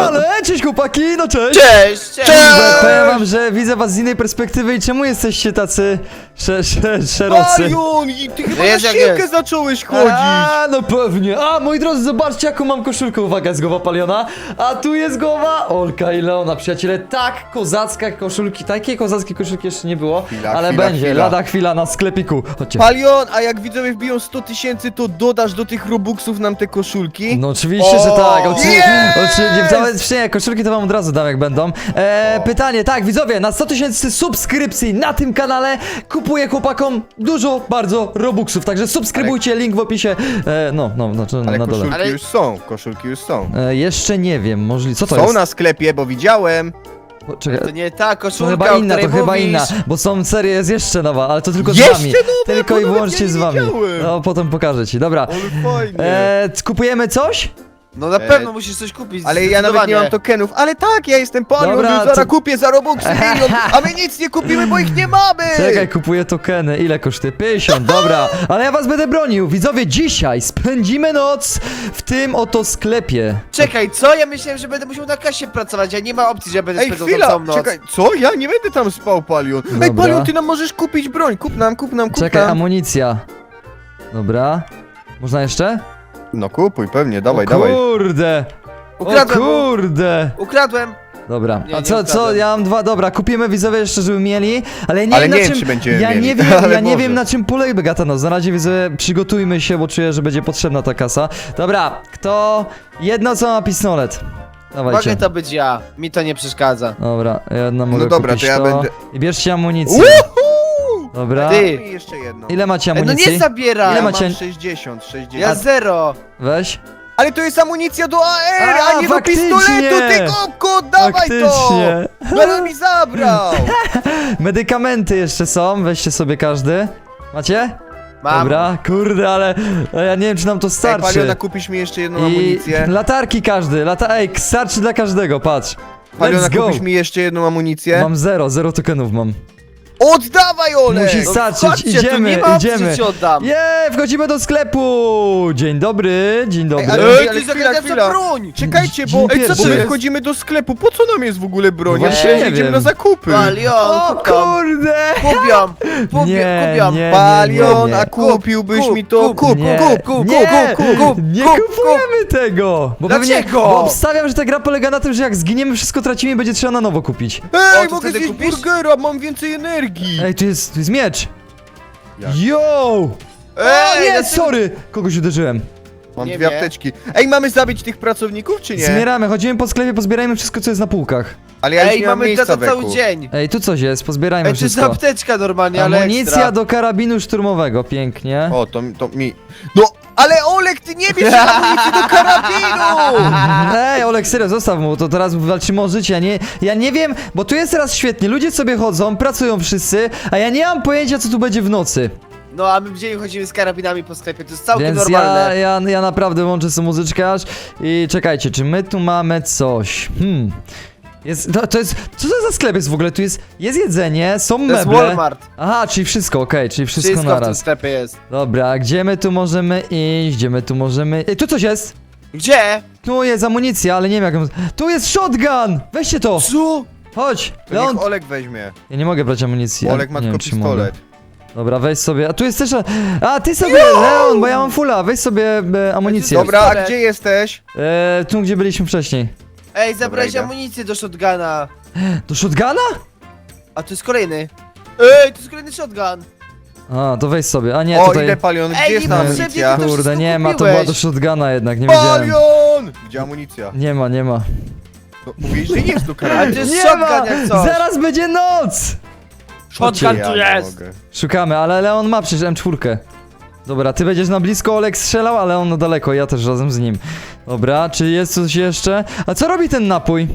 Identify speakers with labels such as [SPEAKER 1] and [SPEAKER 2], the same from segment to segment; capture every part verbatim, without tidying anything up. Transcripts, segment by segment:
[SPEAKER 1] ale cześć chłopaki, no cześć!
[SPEAKER 2] Cześć, cześć!
[SPEAKER 1] Cześć! Powiem wam, że widzę was z innej perspektywy i czemu jesteście tacy sze, sze, szerocy?
[SPEAKER 3] Palion, i ty chyba
[SPEAKER 2] No
[SPEAKER 3] na
[SPEAKER 2] jest jak
[SPEAKER 3] siłkę
[SPEAKER 2] jest.
[SPEAKER 3] zacząłeś chodzić.
[SPEAKER 1] A, no pewnie. A, moi drodzy, zobaczcie jaką mam koszulkę. Uwaga, jest głowa Paliona. A tu jest głowa Olka i Leona, przyjaciele. Tak, kozacka koszulki. Takiej kozackiej koszulki jeszcze nie było,
[SPEAKER 3] Chwila,
[SPEAKER 1] ale
[SPEAKER 3] chwila,
[SPEAKER 1] będzie.
[SPEAKER 3] chwila.
[SPEAKER 1] Lada chwila na sklepiku. Chodźcie.
[SPEAKER 3] Palion, a jak widzowie wbiją sto tysięcy, to dodasz do tych robuxów nam te koszulki?
[SPEAKER 1] No oczywiście, że
[SPEAKER 3] O,
[SPEAKER 1] tak. Oczywiście,
[SPEAKER 3] jest!
[SPEAKER 1] oczywiście, nawet wcześniej koszulki to wam od razu dam jak będą. E, pytanie, tak, widzowie, na sto tysięcy subskrypcji na tym kanale kupuję chłopakom dużo, bardzo robuxów. Także subskrybujcie, link w opisie. E, no, no, no, no
[SPEAKER 3] Ale
[SPEAKER 1] na dole.
[SPEAKER 3] koszulki
[SPEAKER 2] Ale-
[SPEAKER 3] już są, koszulki już są.
[SPEAKER 1] E, jeszcze nie wiem, możliwe. Co to
[SPEAKER 3] Są
[SPEAKER 1] jest?
[SPEAKER 3] na sklepie, bo widziałem.
[SPEAKER 1] O, czekaj.
[SPEAKER 2] To nie ta
[SPEAKER 1] To
[SPEAKER 2] koszulka,
[SPEAKER 1] chyba
[SPEAKER 2] o
[SPEAKER 1] inna, to
[SPEAKER 2] której
[SPEAKER 1] chyba
[SPEAKER 2] mówisz.
[SPEAKER 1] inna, bo są serie jest jeszcze nowa, ale to tylko z
[SPEAKER 3] Jeszcze
[SPEAKER 1] wami.
[SPEAKER 3] nowe?
[SPEAKER 1] Tylko
[SPEAKER 3] Bo
[SPEAKER 1] i
[SPEAKER 3] nawet
[SPEAKER 1] wyłącznie
[SPEAKER 3] ja
[SPEAKER 1] z
[SPEAKER 3] nie
[SPEAKER 1] wami.
[SPEAKER 3] widziałem.
[SPEAKER 1] No, potem pokażę ci. Dobra.
[SPEAKER 3] Ale fajnie.
[SPEAKER 1] E, kupujemy coś?
[SPEAKER 2] No na
[SPEAKER 3] E,
[SPEAKER 2] pewno musisz coś kupić.
[SPEAKER 3] Ale ja nawet nie mam tokenów. Ale tak, ja jestem Palion,
[SPEAKER 1] Dobra,
[SPEAKER 3] już zaraz
[SPEAKER 1] to-
[SPEAKER 3] kupię za robuxy milion, a my nic nie kupimy, bo ich nie mamy!
[SPEAKER 1] Czekaj, kupuję tokeny. Ile kosztuje? pięćdziesiąt, dobra. Ale ja was będę bronił. Widzowie, dzisiaj spędzimy noc w tym oto sklepie.
[SPEAKER 2] Czekaj, co? Ja myślałem, że będę musiał na kasie pracować, a nie ma opcji, że ja będę
[SPEAKER 3] Ej,
[SPEAKER 2] spędzał
[SPEAKER 3] chwila,
[SPEAKER 2] całą noc.
[SPEAKER 3] czekaj, co? Ja nie będę tam spał, Palion. Ej,
[SPEAKER 1] Dobra.
[SPEAKER 3] Palion, ty nam możesz kupić broń, kup nam, kup nam, kup
[SPEAKER 1] Czekaj,
[SPEAKER 3] nam.
[SPEAKER 1] amunicja. Dobra. Można jeszcze?
[SPEAKER 3] No kupuj, pewnie, dawaj,
[SPEAKER 1] o
[SPEAKER 3] dawaj.
[SPEAKER 1] kurde. O
[SPEAKER 2] Ukradłem mu.
[SPEAKER 1] kurde.
[SPEAKER 2] Ukradłem.
[SPEAKER 1] Dobra,
[SPEAKER 2] Nie,
[SPEAKER 1] a
[SPEAKER 2] nie
[SPEAKER 1] co, co,
[SPEAKER 2] ukradłem.
[SPEAKER 1] ja mam dwa, dobra, kupimy widzowie jeszcze, żeby mieli, ale nie
[SPEAKER 3] Ale
[SPEAKER 1] wiem
[SPEAKER 3] nie
[SPEAKER 1] na
[SPEAKER 3] wiem,
[SPEAKER 1] czym,
[SPEAKER 3] czy będziemy
[SPEAKER 1] ja
[SPEAKER 3] mieli,
[SPEAKER 1] nie wiem,
[SPEAKER 3] ale
[SPEAKER 1] ja nie
[SPEAKER 3] może.
[SPEAKER 1] wiem na czym polega ta noc, na razie widzowie przygotujmy się, bo czuję, że będzie potrzebna ta kasa. Dobra, kto, jedno co ma pistolet, dawajcie.
[SPEAKER 2] Mogę to być ja. Mi to nie przeszkadza.
[SPEAKER 1] Dobra, jedna mogę
[SPEAKER 3] No dobra,
[SPEAKER 1] kupić
[SPEAKER 3] to ja
[SPEAKER 1] to.
[SPEAKER 3] będę-
[SPEAKER 1] I bierzcie amunicję.
[SPEAKER 3] Uhu!
[SPEAKER 1] Dobra,
[SPEAKER 2] Ty.
[SPEAKER 3] I jeszcze jedno.
[SPEAKER 1] ile macie
[SPEAKER 2] Ej, no
[SPEAKER 1] amunicji?
[SPEAKER 2] nie zabieraj.
[SPEAKER 1] Ile
[SPEAKER 3] Ja
[SPEAKER 1] macie?
[SPEAKER 3] mam sześćdziesiąt, sześćdziesiąt.
[SPEAKER 2] Ja zero.
[SPEAKER 1] Weź.
[SPEAKER 3] Ale to jest amunicja do A R, a,
[SPEAKER 1] A,
[SPEAKER 3] nie
[SPEAKER 1] faktycznie!
[SPEAKER 3] do pistoletu, ty kopko, dawaj to!
[SPEAKER 1] Faktycznie.
[SPEAKER 3] Będę mi zabrał!
[SPEAKER 1] Medykamenty jeszcze są, weźcie sobie każdy. Macie?
[SPEAKER 2] Mam.
[SPEAKER 1] Dobra, kurde, ale ale ja nie wiem, czy nam to
[SPEAKER 3] Ej,
[SPEAKER 1] starczy.
[SPEAKER 3] Paliona, kupisz mi jeszcze jedną
[SPEAKER 1] I
[SPEAKER 3] amunicję?
[SPEAKER 1] latarki każdy, lata Ej, starczy dla każdego, patrz.
[SPEAKER 3] Paliona,
[SPEAKER 1] Let's go.
[SPEAKER 3] kupisz mi jeszcze jedną amunicję?
[SPEAKER 1] Mam zero, zero tokenów mam.
[SPEAKER 3] Oddawaj, Ole!
[SPEAKER 1] Musi
[SPEAKER 2] No
[SPEAKER 1] starczyć,
[SPEAKER 2] chodźcie, tu
[SPEAKER 1] idziemy,
[SPEAKER 2] nie ma opcji,
[SPEAKER 1] idziemy.
[SPEAKER 2] że ci oddam.
[SPEAKER 1] Je, wchodzimy do sklepu! Dzień dobry, dzień dobry.
[SPEAKER 3] ale-
[SPEAKER 2] Ej,
[SPEAKER 3] ale
[SPEAKER 2] ty
[SPEAKER 3] chwila,
[SPEAKER 2] zagadniasz
[SPEAKER 3] chwila.
[SPEAKER 2] broń.
[SPEAKER 3] Czekajcie, bo,
[SPEAKER 1] Dzień
[SPEAKER 3] ej, co
[SPEAKER 1] pierwszy.
[SPEAKER 3] bo my
[SPEAKER 2] jest?
[SPEAKER 3] wchodzimy do sklepu, po co nam jest w ogóle broń? Ja
[SPEAKER 1] Właśnie
[SPEAKER 3] myślałem, że
[SPEAKER 1] nie
[SPEAKER 3] idziemy
[SPEAKER 1] wiem.
[SPEAKER 3] na zakupy.
[SPEAKER 2] Palion,
[SPEAKER 1] O
[SPEAKER 2] kupiam.
[SPEAKER 1] kurde!
[SPEAKER 2] Kupiam. Kupiam,
[SPEAKER 1] Nie,
[SPEAKER 2] kupiam.
[SPEAKER 1] nie,
[SPEAKER 3] Palion,
[SPEAKER 1] nie,
[SPEAKER 3] a
[SPEAKER 1] nie.
[SPEAKER 3] kupiłbyś
[SPEAKER 2] kup,
[SPEAKER 3] mi to?
[SPEAKER 2] kup,
[SPEAKER 3] Kup,
[SPEAKER 1] Nie,
[SPEAKER 3] kup, kup,
[SPEAKER 1] nie,
[SPEAKER 3] kup, kup, kup.
[SPEAKER 1] nie
[SPEAKER 2] kup,
[SPEAKER 1] kupujemy tego! Bo pewnie,
[SPEAKER 2] Dlaczego?
[SPEAKER 1] bo obstawiam, że ta gra polega na tym, że jak zginiemy, wszystko tracimy i będzie trzeba na nowo kupić.
[SPEAKER 2] O,
[SPEAKER 3] Ej,
[SPEAKER 2] to
[SPEAKER 3] mogę
[SPEAKER 2] wtedy
[SPEAKER 3] zjeść
[SPEAKER 2] kupisz?
[SPEAKER 3] burgera, mam więcej energii!
[SPEAKER 1] Ej, tu jest, tu jest miecz!
[SPEAKER 3] Jak?
[SPEAKER 1] Yo! O
[SPEAKER 2] Ej,
[SPEAKER 1] nie,
[SPEAKER 2] dlaczego-
[SPEAKER 1] sorry! Kogoś uderzyłem.
[SPEAKER 3] Mam
[SPEAKER 2] Nie
[SPEAKER 3] dwie
[SPEAKER 2] wiem.
[SPEAKER 3] apteczki. Ej, mamy zabić tych pracowników, czy nie?
[SPEAKER 1] Zbieramy, chodzimy po sklepie, pozbierajmy wszystko, co jest na półkach.
[SPEAKER 3] Ale ja już
[SPEAKER 2] Ej,
[SPEAKER 3] nie mam
[SPEAKER 2] mamy
[SPEAKER 3] miejsca
[SPEAKER 2] to cały
[SPEAKER 3] weku.
[SPEAKER 2] dzień.
[SPEAKER 1] Ej, tu coś jest, pozbierajmy
[SPEAKER 2] Ej, to jest
[SPEAKER 1] wszystko.
[SPEAKER 2] apteczka normalnie, ale
[SPEAKER 1] Amunicja
[SPEAKER 2] ekstra.
[SPEAKER 1] do karabinu szturmowego, pięknie.
[SPEAKER 3] O, to, to mi... No, ale Olek, ty nie bierz amunicji do karabinu!
[SPEAKER 1] Ej, Olek, serio, zostaw mu, to teraz walczymy o życie, ja nie, ja nie wiem, bo tu jest teraz świetnie, ludzie sobie chodzą, pracują wszyscy, a ja nie mam pojęcia, co tu będzie w nocy.
[SPEAKER 2] No, a my w dzień chodzimy z karabinami po sklepie, to jest całkiem
[SPEAKER 1] Więc
[SPEAKER 2] normalne.
[SPEAKER 1] ja, ja, ja naprawdę łączę sobie muzyczkę aż i czekajcie, czy my tu mamy coś? Hmm. Jest, to, to jest, co to za sklep jest w ogóle? Tu jest, jest jedzenie, są
[SPEAKER 2] To jest
[SPEAKER 1] meble.
[SPEAKER 2] Walmart.
[SPEAKER 1] Aha, czyli wszystko, okej, czyli wszystko,
[SPEAKER 2] Wszystko w tym
[SPEAKER 1] naraz.
[SPEAKER 2] sklepie jest.
[SPEAKER 1] Dobra, gdzie my tu możemy iść? Gdzie my tu możemy... Ej, tu coś jest!
[SPEAKER 2] Gdzie?
[SPEAKER 1] Tu jest amunicja, ale nie wiem jak ją... Tu jest shotgun! Weźcie to!
[SPEAKER 2] Co?
[SPEAKER 1] Chodź!
[SPEAKER 3] To
[SPEAKER 1] Leon...
[SPEAKER 3] niech Olek weźmie.
[SPEAKER 1] Ja nie mogę brać amunicji.
[SPEAKER 3] Bo
[SPEAKER 1] ja
[SPEAKER 3] Olek ma
[SPEAKER 1] nie
[SPEAKER 3] tylko
[SPEAKER 1] wiem, czy mogę.
[SPEAKER 3] pistolet.
[SPEAKER 1] Dobra, weź sobie... A tu jest też... A, ty sobie, Leon, bo ja mam fulla, weź sobie e, amunicję.
[SPEAKER 3] Dobra, a
[SPEAKER 2] Pistolet.
[SPEAKER 3] gdzie jesteś?
[SPEAKER 1] E, tu, gdzie byliśmy wcześniej.
[SPEAKER 2] Ej, zabrałeś
[SPEAKER 3] idę.
[SPEAKER 2] amunicję do shotguna.
[SPEAKER 1] Do shotguna?
[SPEAKER 2] A to jest kolejny. Ej, to jest kolejny shotgun.
[SPEAKER 1] A, to weź sobie. A nie,
[SPEAKER 3] O,
[SPEAKER 1] tutaj...
[SPEAKER 3] ile Palion, gdzie
[SPEAKER 2] Ej,
[SPEAKER 3] jest
[SPEAKER 2] nie
[SPEAKER 3] ta
[SPEAKER 2] ma
[SPEAKER 3] amunicja?
[SPEAKER 2] przebiegu, to
[SPEAKER 1] Kurde,
[SPEAKER 2] wszystko
[SPEAKER 1] nie ma, to
[SPEAKER 2] kupiłeś.
[SPEAKER 1] była do shotguna jednak, nie wiedziałem.
[SPEAKER 3] Palion! Gdzie amunicja?
[SPEAKER 1] Nie ma, nie ma.
[SPEAKER 3] No, mówisz, że jest do
[SPEAKER 2] Ale to
[SPEAKER 3] karabinu.
[SPEAKER 2] jest
[SPEAKER 1] Nie
[SPEAKER 2] shotgun
[SPEAKER 1] ma!
[SPEAKER 2] jak coś.
[SPEAKER 1] Zaraz będzie noc!
[SPEAKER 2] Shotgun
[SPEAKER 3] Ja
[SPEAKER 2] tu
[SPEAKER 3] nie
[SPEAKER 2] jest.
[SPEAKER 3] mogę.
[SPEAKER 1] Szukamy, ale Leon ma przecież M cztery. Dobra, ty będziesz na blisko, Olek strzelał, ale on na daleko, ja też razem z nim. Dobra, czy jest coś jeszcze? A co robi ten napój?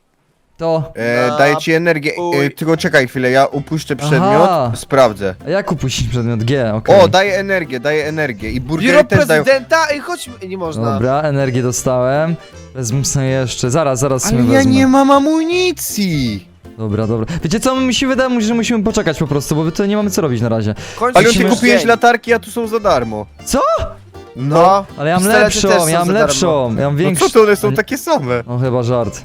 [SPEAKER 1] To...
[SPEAKER 3] E,
[SPEAKER 2] Na
[SPEAKER 3] daję ci energię. E,
[SPEAKER 2] pój.
[SPEAKER 3] tylko czekaj chwilę, ja upuszczę przedmiot,
[SPEAKER 1] Aha.
[SPEAKER 3] sprawdzę.
[SPEAKER 1] A jak upuścić przedmiot? G, okej.
[SPEAKER 3] O, daję energię, daję energię. I burgery
[SPEAKER 2] Biuro
[SPEAKER 3] też dają.
[SPEAKER 2] prezydenta? Ej, chodź, nie można.
[SPEAKER 1] Dobra, energię dostałem. Wezmę sobie jeszcze, zaraz, zaraz
[SPEAKER 3] Ale
[SPEAKER 1] sobie
[SPEAKER 3] ja
[SPEAKER 1] wezmę.
[SPEAKER 3] nie mam amunicji!
[SPEAKER 1] Dobra, dobra. Wiecie co, mi się wydaje, że musimy poczekać po prostu, bo tutaj nie mamy co robić na razie.
[SPEAKER 2] W końcu
[SPEAKER 3] Ale
[SPEAKER 2] się
[SPEAKER 3] ty
[SPEAKER 2] już
[SPEAKER 3] kupiłeś
[SPEAKER 2] dzień.
[SPEAKER 3] latarki, a tu są za darmo.
[SPEAKER 1] Co?
[SPEAKER 2] No,
[SPEAKER 1] Ale ja mam
[SPEAKER 2] pistolety
[SPEAKER 1] lepszą,
[SPEAKER 2] też są
[SPEAKER 1] ja mam
[SPEAKER 2] za darmo.
[SPEAKER 1] lepszą, ja mam
[SPEAKER 3] No
[SPEAKER 1] większą.
[SPEAKER 3] co to, one są takie same?
[SPEAKER 1] No chyba żart.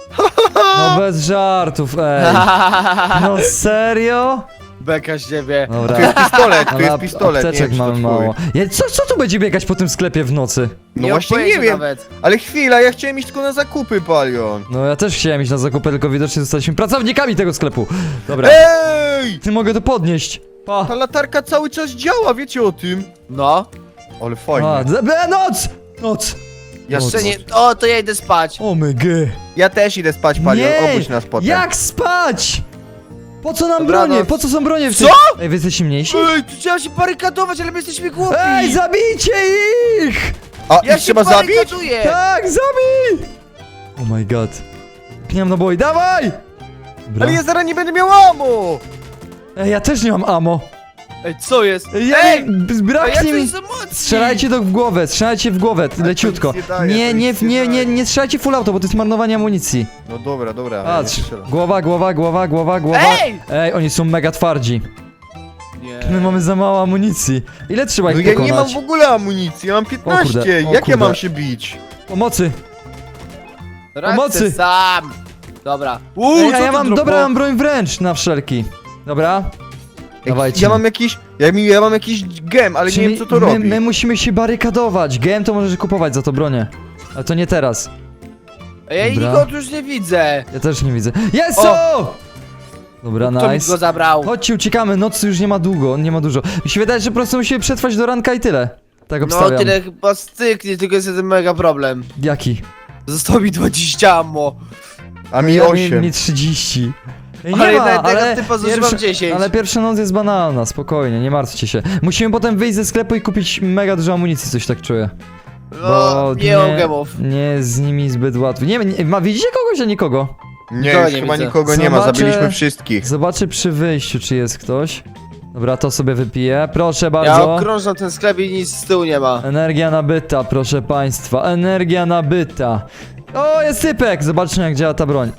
[SPEAKER 1] No bez żartów, ej. No serio?
[SPEAKER 2] Beka z ciebie.
[SPEAKER 1] Dobra.
[SPEAKER 3] Tu jest pistolet, tu
[SPEAKER 1] Ale
[SPEAKER 3] jest
[SPEAKER 1] ap-
[SPEAKER 3] pistolet, nie
[SPEAKER 1] apteczek
[SPEAKER 3] wiem, czy to
[SPEAKER 1] mamy
[SPEAKER 3] twój.
[SPEAKER 1] mało. Ja, co, co tu będzie biegać po tym sklepie w nocy?
[SPEAKER 3] No właśnie
[SPEAKER 2] mam
[SPEAKER 3] nie
[SPEAKER 2] pojęcia
[SPEAKER 3] wiem,
[SPEAKER 2] Nawet.
[SPEAKER 3] ale chwila, ja chciałem iść tylko na zakupy, Palion.
[SPEAKER 1] No ja też chciałem iść na zakupy, tylko widocznie zostaliśmy pracownikami tego sklepu. Dobra,
[SPEAKER 3] Ej!
[SPEAKER 1] ty mogę to podnieść. Pa.
[SPEAKER 3] Ta latarka cały czas działa, wiecie o tym?
[SPEAKER 2] No.
[SPEAKER 3] Ale fajnie.
[SPEAKER 1] A, d- b- noc! Noc!
[SPEAKER 2] Jeszcze
[SPEAKER 1] Noc.
[SPEAKER 2] nie. O, to ja idę spać.
[SPEAKER 1] O my g.
[SPEAKER 3] Ja też idę spać, Palion,
[SPEAKER 1] Nie!
[SPEAKER 3] obudź nas potem.
[SPEAKER 1] Jak spać? Po co nam
[SPEAKER 2] Dobranoc.
[SPEAKER 1] bronie? Po co są bronie w
[SPEAKER 2] Co?
[SPEAKER 1] tych... Ej, wy jesteście mniejsi?
[SPEAKER 2] Ej, tu trzeba się barykadować, ale my jesteśmy głupi.
[SPEAKER 1] Ej, zabijcie ich!
[SPEAKER 3] A,
[SPEAKER 2] Ja
[SPEAKER 3] ich
[SPEAKER 2] się
[SPEAKER 3] trzeba zabić?
[SPEAKER 2] barykaduję.
[SPEAKER 1] Tak, zabij! Oh my god. Nie mam naboi, dawaj! Dobra.
[SPEAKER 3] Ale ja zaraz nie będę miał amo!
[SPEAKER 1] Ej, ja też nie mam ammo.
[SPEAKER 2] Ej, co jest?
[SPEAKER 1] Ej, ja
[SPEAKER 2] Ej!
[SPEAKER 1] nie,
[SPEAKER 2] A ja
[SPEAKER 1] braknie mi...
[SPEAKER 2] coś za mocniej.
[SPEAKER 1] Strzelajcie to w głowę, strzelajcie w głowę,
[SPEAKER 3] to
[SPEAKER 1] leciutko.
[SPEAKER 3] nic nie daje,
[SPEAKER 1] Nie,
[SPEAKER 3] to
[SPEAKER 1] nie,
[SPEAKER 3] nic nie
[SPEAKER 1] nie, nie,
[SPEAKER 3] daje.
[SPEAKER 1] nie strzelajcie full auto, bo to jest marnowanie amunicji.
[SPEAKER 3] No dobra, dobra.
[SPEAKER 1] Patrz,
[SPEAKER 3] ja nie strzelam.
[SPEAKER 1] głowa, głowa, głowa, głowa, głowa.
[SPEAKER 2] Ej!
[SPEAKER 1] Ej, oni są mega twardzi.
[SPEAKER 2] Nie.
[SPEAKER 1] My mamy za mało amunicji. Ile trzeba ich
[SPEAKER 3] No ja
[SPEAKER 1] pokonać?
[SPEAKER 3] nie mam w ogóle amunicji, ja mam piętnaście.
[SPEAKER 1] O kurde, o
[SPEAKER 3] Jak ja
[SPEAKER 1] kurde.
[SPEAKER 3] mam się bić?
[SPEAKER 1] Pomocy.
[SPEAKER 2] Radzę
[SPEAKER 1] Pomocy.
[SPEAKER 2] sam. Dobra. Uuu,
[SPEAKER 1] Ej,
[SPEAKER 2] co
[SPEAKER 1] a ja
[SPEAKER 2] ty
[SPEAKER 1] mam,
[SPEAKER 2] dropo?
[SPEAKER 1] dobra, mam broń wręcz na wszelki. Dobra. Dawajcie.
[SPEAKER 3] Ja mam jakiś, ja, mi- ja mam jakiś gem, ale
[SPEAKER 1] Czyli
[SPEAKER 3] nie wiem co to
[SPEAKER 1] my,
[SPEAKER 3] robi.
[SPEAKER 1] my musimy się barykadować. G M to możesz kupować za to bronię. Ale to nie teraz.
[SPEAKER 2] Ej, ja
[SPEAKER 1] Dobra.
[SPEAKER 2] nikogo tu już nie widzę.
[SPEAKER 1] Ja też nie widzę. Jest
[SPEAKER 2] O!
[SPEAKER 1] o! Dobra,
[SPEAKER 2] Kto mi
[SPEAKER 1] nice.
[SPEAKER 2] go zabrał?
[SPEAKER 1] Chodźcie, uciekamy, nocy już nie ma długo, nie ma dużo. Mi się wydaje, że po prostu musimy przetrwać do ranka i tyle. Tak
[SPEAKER 2] No
[SPEAKER 1] obstawiam.
[SPEAKER 2] tyle chyba styknie, tylko jest jeden mega problem.
[SPEAKER 1] Jaki?
[SPEAKER 2] Zostało mi dwadzieścia ammo.
[SPEAKER 3] A mi
[SPEAKER 1] Ja-
[SPEAKER 3] osiem.
[SPEAKER 1] Mi trzydzieści. Ej,
[SPEAKER 2] Ale
[SPEAKER 1] nie ma,
[SPEAKER 2] na jednego
[SPEAKER 1] ale,
[SPEAKER 2] typa zużywam dziesięć.
[SPEAKER 1] ale pierwsza noc jest banalna, spokojnie, nie martwcie się. Musimy potem wyjść ze sklepu i kupić mega dużo amunicji, coś tak czuję.
[SPEAKER 2] No, nie mam gemów.
[SPEAKER 1] nie jest z nimi zbyt łatwo. Nie, nie ma, widzicie kogoś, a nikogo?
[SPEAKER 3] Nie,
[SPEAKER 2] Nikogo
[SPEAKER 3] już
[SPEAKER 2] nie
[SPEAKER 3] chyba
[SPEAKER 2] widzę.
[SPEAKER 3] nikogo nie ma,
[SPEAKER 1] Zobaczę-
[SPEAKER 3] zabiliśmy wszystkich.
[SPEAKER 1] Zobaczę przy wyjściu, czy jest ktoś. Dobra, to sobie wypiję. Proszę
[SPEAKER 2] Ja
[SPEAKER 1] bardzo.
[SPEAKER 2] okrążam ten sklep i nic z tyłu nie ma.
[SPEAKER 1] Energia nabyta, proszę państwa. Energia nabyta. O, jest typek! Zobaczmy, jak działa ta broń.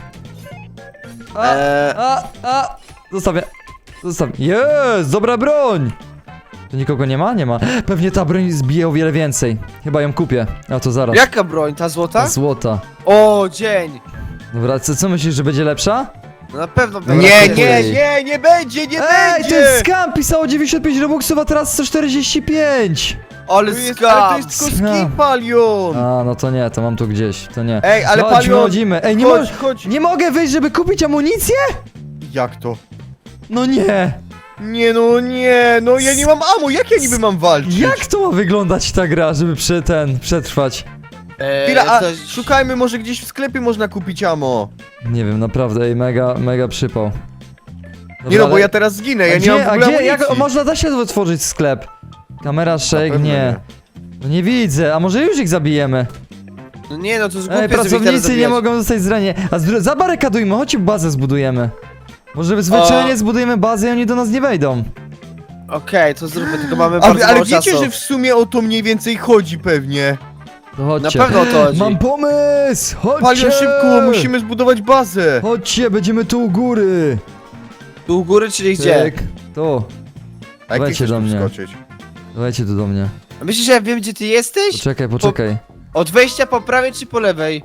[SPEAKER 1] A,
[SPEAKER 2] Eee,
[SPEAKER 1] a, a! Zostawię. Zostawię. Jest! Dobra broń! Tu nikogo nie ma? Nie ma. Pewnie ta broń zbije o wiele więcej. Chyba ją kupię. A to zaraz.
[SPEAKER 2] jaka broń? Ta złota?
[SPEAKER 1] Złota.
[SPEAKER 2] O, dzień.
[SPEAKER 1] Dobra, co, co myślisz, że będzie lepsza?
[SPEAKER 2] No na pewno
[SPEAKER 1] Dobra,
[SPEAKER 3] Nie,
[SPEAKER 1] to
[SPEAKER 3] nie,
[SPEAKER 1] jest-
[SPEAKER 3] nie, nie będzie, nie
[SPEAKER 1] Ej,
[SPEAKER 3] będzie!
[SPEAKER 1] to jest skam! Pisało dziewięćdziesiąt pięć robuxów, a teraz sto czterdzieści pięć!
[SPEAKER 2] Ale
[SPEAKER 3] To jest, ale to
[SPEAKER 2] skam.
[SPEAKER 3] jest tylko
[SPEAKER 1] Skam.
[SPEAKER 3] skin, Palion!
[SPEAKER 1] A, no to nie, to mam tu gdzieś, to nie.
[SPEAKER 3] Ej, ale
[SPEAKER 1] Chodźmy,
[SPEAKER 3] Palion,
[SPEAKER 1] chodzimy. Ej, nie,
[SPEAKER 3] chodź,
[SPEAKER 1] mo-
[SPEAKER 3] chodź.
[SPEAKER 1] nie mogę wyjść, żeby kupić amunicję?
[SPEAKER 3] Jak to?
[SPEAKER 1] No nie!
[SPEAKER 3] Nie no, nie, no ja nie mam amo, jak ja niby mam walczyć?
[SPEAKER 1] Jak to ma wyglądać ta gra, żeby przy ten, przetrwać?
[SPEAKER 2] Eee,
[SPEAKER 3] Chwila, a
[SPEAKER 2] coś-
[SPEAKER 3] szukajmy, może gdzieś w sklepie można kupić amo.
[SPEAKER 1] Nie wiem, naprawdę, ej, mega, mega przypał. Dobra,
[SPEAKER 3] Nie no, bo
[SPEAKER 1] ale-
[SPEAKER 3] ja teraz zginę,
[SPEAKER 1] A
[SPEAKER 3] ja
[SPEAKER 1] gdzie,
[SPEAKER 3] nie mam w
[SPEAKER 1] a
[SPEAKER 3] ogóle
[SPEAKER 1] gdzie, jak,
[SPEAKER 3] amunicji.
[SPEAKER 1] można da się otworzyć sklep? Kamera shake,
[SPEAKER 3] pewno
[SPEAKER 1] nie.
[SPEAKER 3] nie.
[SPEAKER 1] No nie widzę, a może już ich zabijemy?
[SPEAKER 2] No nie no, to jest głupie,
[SPEAKER 1] Ej,
[SPEAKER 2] żeby ich teraz
[SPEAKER 1] pracownicy nie
[SPEAKER 2] zabijać.
[SPEAKER 1] mogą zostać zranieni. A zbr- zabarykadujmy, chodź bazę zbudujemy. Może zwyczajnie
[SPEAKER 2] O.
[SPEAKER 1] zbudujemy bazę i oni do nas nie wejdą.
[SPEAKER 2] Okej, to zróbmy, tylko mamy
[SPEAKER 3] A,
[SPEAKER 2] bardzo
[SPEAKER 3] ale
[SPEAKER 2] mało
[SPEAKER 3] wiecie,
[SPEAKER 2] czasu.
[SPEAKER 3] że w sumie o to mniej więcej chodzi pewnie.
[SPEAKER 1] To chodźcie.
[SPEAKER 2] Na pewno o to chodzi.
[SPEAKER 1] Mam pomysł! Chodźcie!
[SPEAKER 3] Palion, szybko, musimy zbudować bazę.
[SPEAKER 1] Chodźcie, będziemy tu u góry.
[SPEAKER 2] Tu u góry, czyli gdzie?
[SPEAKER 1] Cyk. Tu.
[SPEAKER 3] A jak ty
[SPEAKER 1] Dawajcie
[SPEAKER 3] chcesz
[SPEAKER 1] do
[SPEAKER 3] tu
[SPEAKER 1] mnie.
[SPEAKER 3] wskoczyć?
[SPEAKER 1] Dawajcie tu do mnie.
[SPEAKER 2] A myślisz, że ja wiem, gdzie ty jesteś?
[SPEAKER 1] Poczekaj, poczekaj.
[SPEAKER 2] Od wejścia po prawej czy po lewej?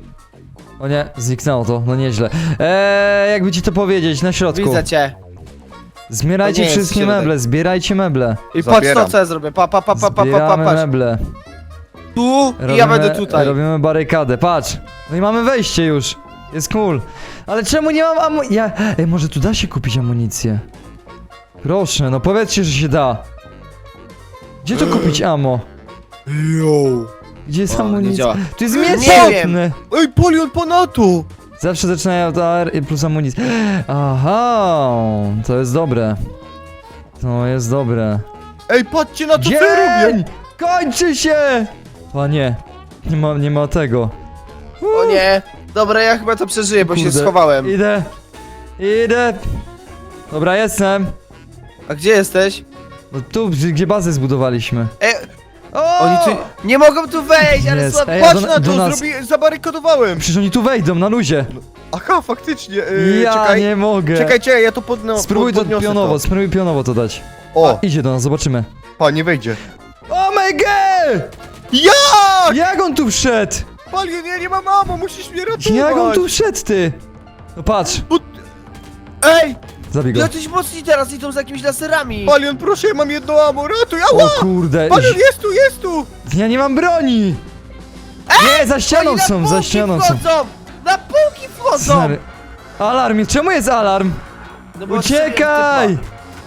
[SPEAKER 1] O nie, zniknęło to, no nieźle. Eee, jakby ci to powiedzieć, na środku.
[SPEAKER 2] Widzę cię.
[SPEAKER 1] Zbierajcie
[SPEAKER 2] To nie jest
[SPEAKER 1] wszystkie
[SPEAKER 2] środek.
[SPEAKER 1] meble, zbierajcie meble.
[SPEAKER 2] I patrz
[SPEAKER 3] Zabieram.
[SPEAKER 2] to, co ja zrobię. Pa, pa, pa, pa, pa, pa, pa,
[SPEAKER 1] Zbieramy
[SPEAKER 2] patrz.
[SPEAKER 1] meble.
[SPEAKER 2] Tu i ja będę tutaj.
[SPEAKER 1] Robimy barykadę, patrz. No i mamy wejście już. Jest cool. Ale czemu nie mam amu... Ja... Ej, może tu da się kupić amunicję? Proszę, no powiedzcie, że się da. Gdzie tu kupić ammo?
[SPEAKER 3] Yo.
[SPEAKER 1] Gdzie jest
[SPEAKER 2] O, nie
[SPEAKER 1] amunicja?
[SPEAKER 2] działa.
[SPEAKER 1] Tu jest
[SPEAKER 2] Nie
[SPEAKER 1] miecz
[SPEAKER 2] wiem.
[SPEAKER 1] potny.
[SPEAKER 3] Ej, Palion, ponadto!
[SPEAKER 1] Zawsze zaczynają od A R i plus amunicja. Aha, to jest dobre. To jest dobre.
[SPEAKER 3] Ej, patrzcie na to, co ja robię!
[SPEAKER 1] Dzień! Kończy się! Panie, nie ma, nie ma tego.
[SPEAKER 2] O nie. Dobra, ja chyba to przeżyję, bo się
[SPEAKER 1] Kurde.
[SPEAKER 2] schowałem.
[SPEAKER 1] Idę. Idę. Dobra, jestem.
[SPEAKER 2] A gdzie jesteś?
[SPEAKER 1] No tu, gdzie gdzie bazę zbudowaliśmy.
[SPEAKER 2] E,
[SPEAKER 1] O!
[SPEAKER 2] oni tu nie mogą tu wejść, ale
[SPEAKER 1] Jest.
[SPEAKER 2] słabo.
[SPEAKER 1] Ej,
[SPEAKER 3] Patrz
[SPEAKER 1] do-
[SPEAKER 3] na
[SPEAKER 1] do
[SPEAKER 3] to,
[SPEAKER 1] nas-
[SPEAKER 3] zrobi... zabarykadowałem!
[SPEAKER 1] Przecież oni tu wejdą, na luzie.
[SPEAKER 3] Aha, faktycznie, yy,
[SPEAKER 1] ja
[SPEAKER 3] czekaj.
[SPEAKER 1] nie mogę.
[SPEAKER 3] Czekaj, czekaj, ja to podno...
[SPEAKER 1] Spróbuj to
[SPEAKER 3] podniosę
[SPEAKER 1] pionowo,
[SPEAKER 3] to.
[SPEAKER 1] spróbuj pionowo to dać.
[SPEAKER 3] O,
[SPEAKER 1] Idzie do nas, zobaczymy.
[SPEAKER 3] pa, nie wejdzie.
[SPEAKER 1] Oh my god!
[SPEAKER 3] Jak?
[SPEAKER 1] Jak on tu wszedł?
[SPEAKER 3] Palion, ja nie mam ammo, musisz mnie ratować!
[SPEAKER 1] Jak on tu wszedł, ty? No patrz,
[SPEAKER 2] Ej!
[SPEAKER 1] zabij go.
[SPEAKER 2] Jacyś mocni teraz idą z jakimiś laserami!
[SPEAKER 3] Palion, proszę, ja mam jedno ammo, ratuj,
[SPEAKER 1] O
[SPEAKER 3] ała!
[SPEAKER 1] kurde,
[SPEAKER 3] Palion, jest tu, jest tu!
[SPEAKER 1] ja nie mam broni! Nie, za ścianą
[SPEAKER 2] Oni na
[SPEAKER 1] są, za
[SPEAKER 2] półki
[SPEAKER 1] ścianą są.
[SPEAKER 2] wchodzą! Na półki wchodzą!
[SPEAKER 1] Stary. Alarm, czemu jest alarm?
[SPEAKER 2] No bo
[SPEAKER 1] Uciekaj!